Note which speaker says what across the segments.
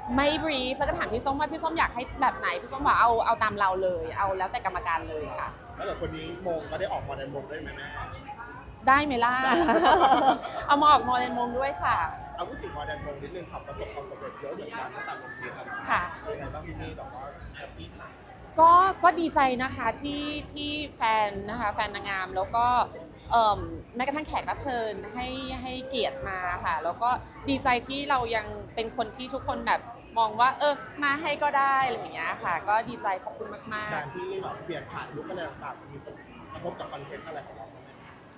Speaker 1: ไม่บรีฟแล้วก็ถามพี่ส้มว่าพี่ส้มอยากให้แบบไหนพี่ส้มบอกเอาตามเราเลยเอาแล้วแต่กรรมการเลยค่ะ
Speaker 2: ถ้าเกิดคนนี้มงก็ได้ออกมาในมงได้ไหมแม่
Speaker 1: ได้ไหมล่ะ เอามาออกมอเดนมงด้วยค่ะ
Speaker 2: เอาพูดถึงมอเดนมงนิดนึงครับประสบความสำเร็จเยอะเหมือนกันตั้งแต่ลงทุนครับ
Speaker 1: ค่ะ
Speaker 2: ยังไงบ้างพี่นี่แบบว่าแฮปปี้ขนาด
Speaker 1: ก็ดีใจนะคะที่แฟนนะคะแฟนนางงามแล้วก็แม้กระทั่งแขกรับเชิญให้เกียรติมาค่ะแล้วก็ดีใจที่เรายังเป็นคนที่ทุกคนแบบมองว่ามาให้ก็ได้อะไรอย่างเงี้ยค่ะก็ดีใจขอบคุณมาก
Speaker 2: การที่แบบเปลี่ยนผ่านยุคอะไรต่างๆมีผลกระทบกับคอนเทนต์อะไรของเราไหม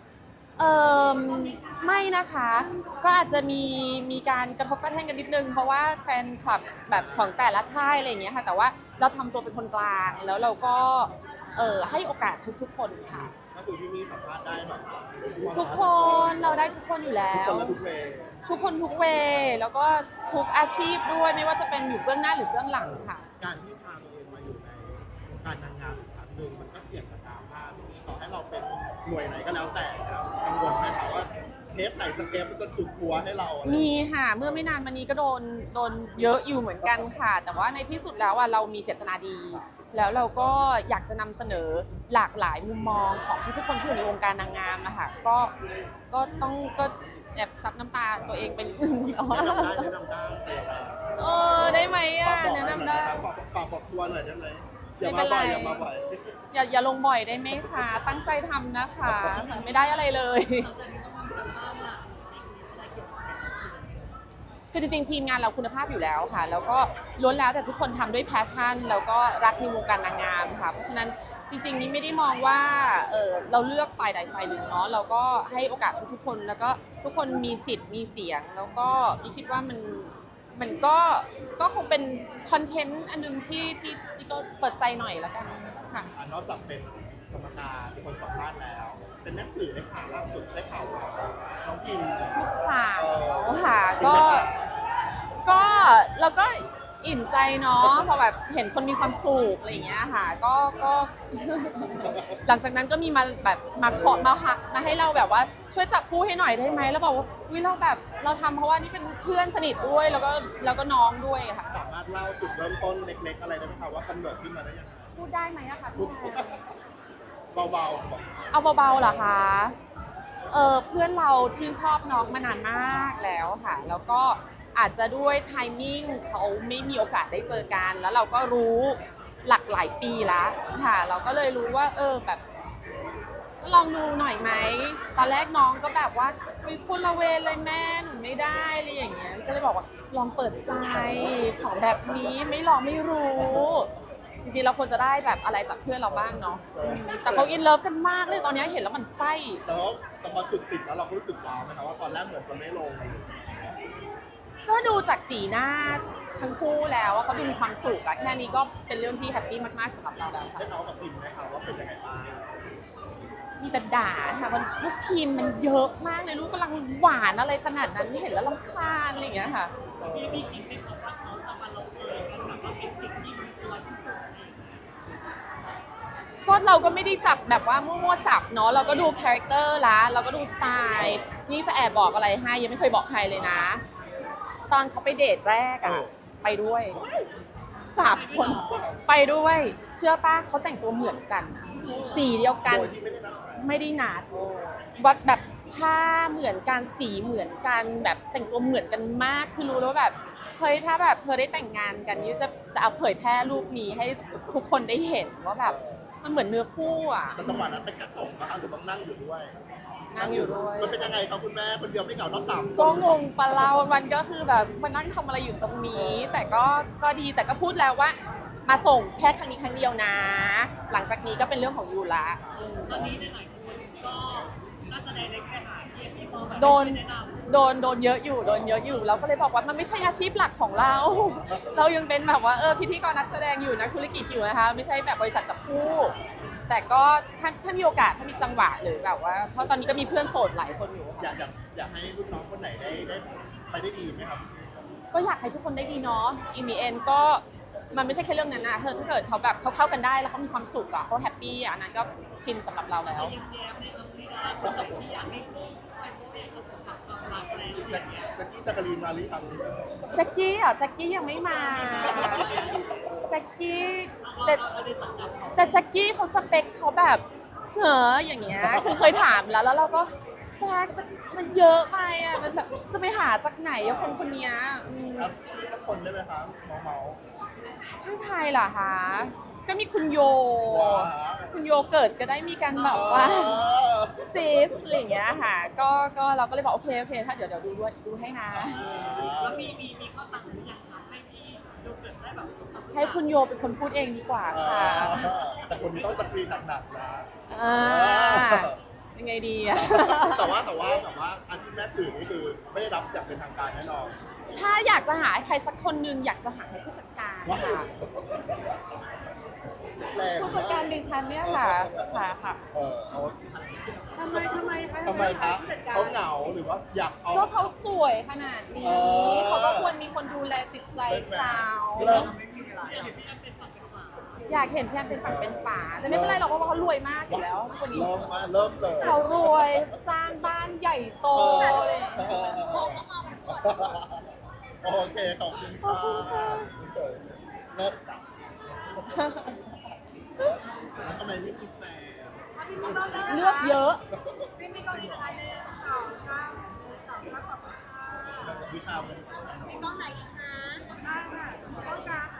Speaker 1: ไม่นะคะก็อาจจะมีการกระทบกระทั่งกันนิดนึงเพราะว่าแฟนคลับแบบของแต่ละค่ายอะไรอย่างเงี้ยค่ะแต่ว่าเราทำตัวเป็นคนกลางแล้วเราก็ให้โอกาสทุกๆคนค่ะ
Speaker 2: ก็คือพี่นี่สัมภาษณ์ได้แบบ
Speaker 1: ทุกคนเราได้ทุกคนอยู่แล้
Speaker 2: ทุกค
Speaker 1: ว
Speaker 2: นและทุกเวย์
Speaker 1: ทุกคนทุกเวย์แล้วก็ทุกอาชีพด้วยไม่ว่าจะเป็นอยู่เบื้องหน้าหรือเบื้องหลังค่ะ
Speaker 2: การที่พาตัวเองมาอยู่ในวงการนางงามอีกครั้งหนึ่งมันก็เสี่ยงกับดราม่าพี่นี่ต่อให้เราเป็นหน่วยไหนก็แล้วแต่ครับกังวลไหมครับว่าเทปไหนสักเทปมันจะจุดหัวให้เราอะไร
Speaker 1: มีค่ะเมื่อไม่นานมานี้ก็โดนเยอะอยู่เหมือนกันค่ะแต่ว่าในที่สุดแล้วเรามีเจตนาดีแล้วเราก็อยากจะนำเสนอหลากหลายมุมมองของทุกๆคนที่อยู่ในวงการนางงามนะคะก็แอบซับน้ำตาตัวเองเป็นหนึ่งเดียว
Speaker 2: แนะนำได้แนะนำได้แต่อย่างไร
Speaker 1: ได้ไหมอ่ะ
Speaker 2: ฝากบอก
Speaker 1: แนะ
Speaker 2: ได้
Speaker 1: นำ
Speaker 2: ไหม
Speaker 1: ได้
Speaker 2: ฝากบอกทัวร์หน่อยได้ไหมอย่า
Speaker 1: ไม่
Speaker 2: มา
Speaker 1: เป็นไร
Speaker 2: บ่อยอย่ามาบ่อย
Speaker 1: อย่าลงบ่อยได้ไหมคะตั้งใจทำนะคะมันไม่ได้อะไรเลยคือจริงๆทีมงานเราคุณภาพอยู่แล้วค่ะแล้วก็ล้วนแล้วแต่ทุกคนทำด้วยแพชชั่นแล้วก็รักในวงการนางงามค่ะเพราะฉะนั้นจริงๆนี่ไม่ได้มองว่าเราเลือกฝ่ายใดฝ่ายหนึ่งเนาะเราก็ให้โอกาสทุกๆคนแล้วก็ทุกคนมีสิทธิ์มีเสียงแล้วก็พี่คิดว่ามันก็คงเป็นคอนเทนต์อันนึงที่ก็เปิดใจหน่อยแล้วกันค่ะ
Speaker 2: นอกจากเป็นกรรมการเป็นคนสัมภาษณ์แล้ว เป็นแม่สื่อได้ข่าวล่าสุดได้ข่าวว่าน้องพิม
Speaker 1: ลูกสาวค่ะก็เราก็อิ่มใจเนาะพอแบบเห็นคนมีความสุขอะไรอย่างเงี้ยค่ะก็ หลังจากนั้นก็มีมาแบบมาขอมาให้เราแบบว่าช่วยจับคู่ให้หน่อยได้ไหมแล้วบอกว่าวิเราแบบเราทำเพราะว่านี่เป็นเพื่อนสนิทด้วยแล้วก็น้องด้วยค่ะ
Speaker 2: สามารถเล่าจุดเริ่มต้นเล็กๆอะไรได้ไหมคะว่ากำเนิดขึ้นมาได้ยังไง
Speaker 1: พูดได้ไหมอะคะพี่แอน
Speaker 2: เบาๆบอก
Speaker 1: เอาเบาๆเหรอคะเพื่อนเราชื่นชอบน้องมานานมากแล้วค่ะแล้วก็อาจจะด้วยไทมิ่งเขาไม่มีโอกาสได้เจอกันแล้วเราก็รู้หลักหลายปีแล้วค่ะเราก็เลยรู้ว่าแบบลองดูหน่อยไหมตอนแรกน้องก็แบบว่าคนละเวรเลยแม่หนูไม่ได้อะไรอย่างเงี้ยก็เลยบอกว่าลองเปิดใจของแบบนี้ไม่ลองไม่รู้จริงๆเราควรจะได้แบบอะไรจากเพื่อนเราบ้างเนาะแต่เขาอินเลิฟกันมากเลยตอนนี้เห็นแล้วมันไส้
Speaker 2: แต่พอจุดติดแล้วเราก็รู้สึกว้าวไหมคะว่าตอนแรกเหมือนจะไม่ลง
Speaker 1: ก็ดูจากสีหน้าทั้งคู่แล้วว่าเขาดูมีความสุขอะแค่นี้ก็เป็นเรื่องที่แฮปปี้มากๆสำหรับเราแล้วค่ะ
Speaker 2: ได้เมาส์กับพิมไหมคะว่าเป็นยังไงบ้าง
Speaker 1: มีแต่ด่าค่ะว่าลูกทีมมันเยอะมากเลยลูกกำลังหวานอะไรขนาดนั้นเห็นแล้วรำคาญอะไรอย่างเงี้ยค่ะ
Speaker 3: มีคิดไหมคะว่าเขาจะมาลงเอยกันแบบว่าเป็นสิ่งที่มันตัวที่สุด
Speaker 1: ก็เราก็ไม่ได้จับแบบว่ามั่วๆจับเนาะเราก็ดูคาแรคเตอร์ละเราก็ดูสไตล์นี่จะแอบบอกอะไรให้ยังไม่เคยบอกใครเลยนะตอนเขาไปเดทแรกอะไปด้วย3 คนไปด้วยเชื่อป่ะเขาแต่งตัวเหมือนกันสีเดียวกัน
Speaker 2: โดยที่ไม่ได้นัดหมาย
Speaker 1: ไม่ได้นัดวัดแบบผ้าเหมือนกันสีเหมือนกันแบบแต่งตัวเหมือนกันมากคือรู้แล้วว่าแบบเฮ้ยถ้าแบบเธอได้แต่งงานกันนี่จะเอาเผยแพร่รูปนี้ให้ทุกคนได้เห็นว่าแบบมันเหมือนเนื้อคู่อ่ะ
Speaker 2: แต่จังหวะนั้นเป็นแค่ส่งนะคะหรือต้องนั่งอยู่ด้วย
Speaker 1: นั่งอยู่ด้วย
Speaker 2: มันเป็นยังไงครับคุณแม่คนเดียวไม่เหงาต้อง3 คน
Speaker 1: ก็งงปะเราวันก็คือแบบมานั่งทำอะไรอยู่ตรงนี้ แต่ก็ดีแต่ก็พูดแล้วว่ามาส่งแค่ครั้งนี้ครั้งเดียวนะ หลังจากนี้ก็เป็นเรื่องของยูละ
Speaker 3: ตอนนี้ในหลายคนก็น่าจะได้เล็กไปหาพี่โมแบบ
Speaker 1: โดน
Speaker 3: แนะนำ
Speaker 1: โดนเยอะอยู่เราก็เลยบอกว่ามันไม่ใช่อาชีพหลักของเรา เรายังเป็นแบบว่าพิธีกรนักแสดงอยู่นักธุรกิจอยู่นะคะไม่ใช่แบบบริษัทจับคู่แต่ก็ถ้ามีโอกาสถ้ามีจังหวะหรือแบบว่าเพราะตอนนี้ก็มีเพื่อนโสดหลายคนอยู่
Speaker 2: อยากให้รุ่นน้องคนไหนได้ไปได้ดีไหมครับ
Speaker 1: ก็อยากให้ทุกคนได้ดีเนาะ in the end ก็มันไม่ใช่แค่เรื่องนั้นนะถ้าเกิดเขาแบบเขาเข้ากันได้แล้วเขามีความสุขอะเขาแฮปปี้อะนั้นก็ฟินสำหรับเราแล้ว
Speaker 3: แต่ยังแย้มในคำนี้นะคนไหนที่อยากให้พี่คอยโบอยากจะสัมผัสความรัก
Speaker 2: แจ็คกี้ชากรีนมาหรือยัง
Speaker 1: แจ็คกี้เหรอแจ็คกี้ยังไม่มาแจ็คกี้แต่แต่แจ็คกี้เขาสเปคเขาแบบเหรออย่างเงี้ยคือเคยถามแล้วเราก็แจ็คมันเยอะไปอ่ะมันแบบจะไปหาจากไหนอะคนคนเนี้ย
Speaker 2: ครับชื่อสักคนได้ไหมคะเมา
Speaker 1: ชื่อใครล่ะคะก็มีคุณโย
Speaker 2: ว้าว
Speaker 1: คุณโยเกิดก็ได้มีการแบบว่าซิสอะไรอย่างเงี้ยค่ะก็เราก็เลยบอกโอเคถ้าเดี๋ยวดูให้นะ
Speaker 3: แล้วมีเข้าตังค์หรือยังคะให้พี่ดูเกิดได้แบบ
Speaker 1: ให้คุณโยเป็นคนพูดเองดีกว่าค่ะ
Speaker 2: แต่คนนี้ต้องสกรีนหนักๆนะ
Speaker 1: อ่ายังไงดีอะ
Speaker 2: แต่ว่าอาชีพแม่สื่อนี่คือไม่ได้รับอย่างเป็นทางการแน่นอน
Speaker 1: ถ้าอยากจะหาใครสักคนหนึ่งอยากจะหาให้ผู้จัดการ
Speaker 2: ว้า
Speaker 1: ค่ะ
Speaker 2: แรงม
Speaker 1: ผู้จัดการดิฉันเนี่ยค่ะค่ะ
Speaker 2: เอา
Speaker 1: ทำไมคะ
Speaker 2: ทำไมคะเขาเหงาหรือว่าอยากเอา
Speaker 1: ก็เขาสวยขนาดนี้
Speaker 2: เออ
Speaker 1: เขาก็ควรมีคนดูแลจิตใจเขา
Speaker 2: เริ่ม
Speaker 1: อยากเห็นพี่แอมเป็นฝั่งเป็นฝาแต่ไม่เป็นไรหรอกเพราะว่าเขารวยมากอยู่แล้วทุกวันนี้
Speaker 2: เริ่มเลย
Speaker 1: เขารวยสร้างบ้านใหญ่โตเลย
Speaker 2: โอเคขอบคุณค่ะเริ่มจับแล้วทำไมไม่มีแฟน
Speaker 1: เลือกเยอะ
Speaker 4: มีกล้องอีกอันหนึ่งสองสามสองสามขอบคุณค่ะ
Speaker 2: วิชาเป็น
Speaker 4: มีกล้องไหนอีกคะได้ค่ะกล้องกลาง